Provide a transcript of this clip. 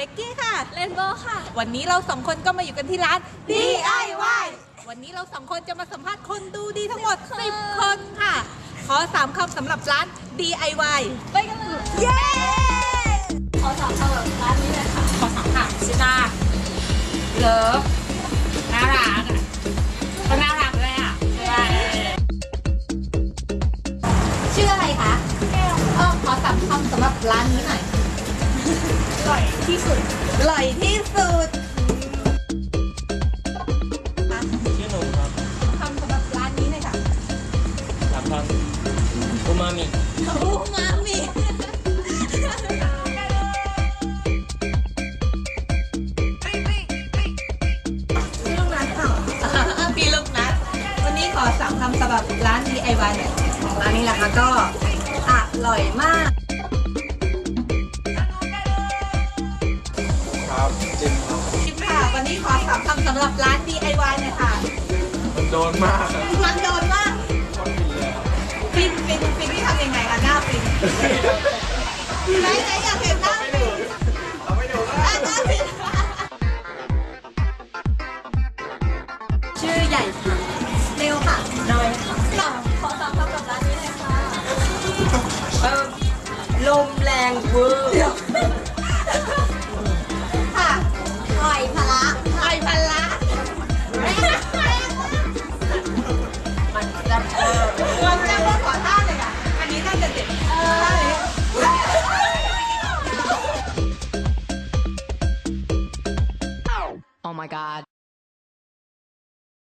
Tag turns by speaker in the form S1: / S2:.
S1: กกี้ค่ะ
S2: เรนโบว์ค่ะ
S1: วันนี้เราสองคนก็มาอยู่กันที่ร้าน DIY วันนี้เราสองคนจะมาสัมภาษณ์คนดูดีทั้งหมด 10 คนค่ะ ขอ3 คำสำหรับร้าน DIY
S2: ไปกันเลย
S1: เย้
S2: ขอสามคำแบบร้านนี้เลยค่ะ
S1: ขอ3 ค่ะชิต้าเลิฟน่ารักอ่ะก็น่ารักเลยอ่ะใช่ไหมชื่ออะไรคะขอ3 คำสำหรับร้านนี้หน่อย
S2: อร่อยที่สุด
S1: อร่อยที่สุด
S3: ชื่อหนุ่มครับ
S1: คำสำหรับร้านนี้หน่อยค่ะ
S3: 3 คำอูมามิ
S1: อูมามิพี่ลูกนัดค่ะพี่ลูกนัดวันนี้ขอ3 คำสำหรับร้าน DIY หน่อย
S2: ของร้านนี้แหละค่ะก็อร่อยมาก
S3: ครับจิมครับ
S1: ชิปค่ะ วันนี้ขอ3 คำสำหรับร้าน DIY หน่อยค่ะ
S3: มันโดนมากครับ
S1: มันโดนมาก
S3: คนผิดเลยครับ
S1: ฟินที่ทำยังไงคะหน้าฟินไหนอยากเห็นหน้าฟิน
S3: เราไม่ดูแล้ว
S1: หน้าฟิน
S2: ชื่อใหญ่ค่ะ
S1: เร็วค่ะ
S2: น้อยค่ะขอสามคำกับร้านนี้เลยค่ะลมแรงเวอร์
S1: ค่ะ
S2: หอยพะละ
S1: ไอพันละ
S2: มันจะเออ
S1: มันจะว่าขอท่าเลยค่ะ อันนี้น่าจะเด็ดท่านี้
S4: Oh my god.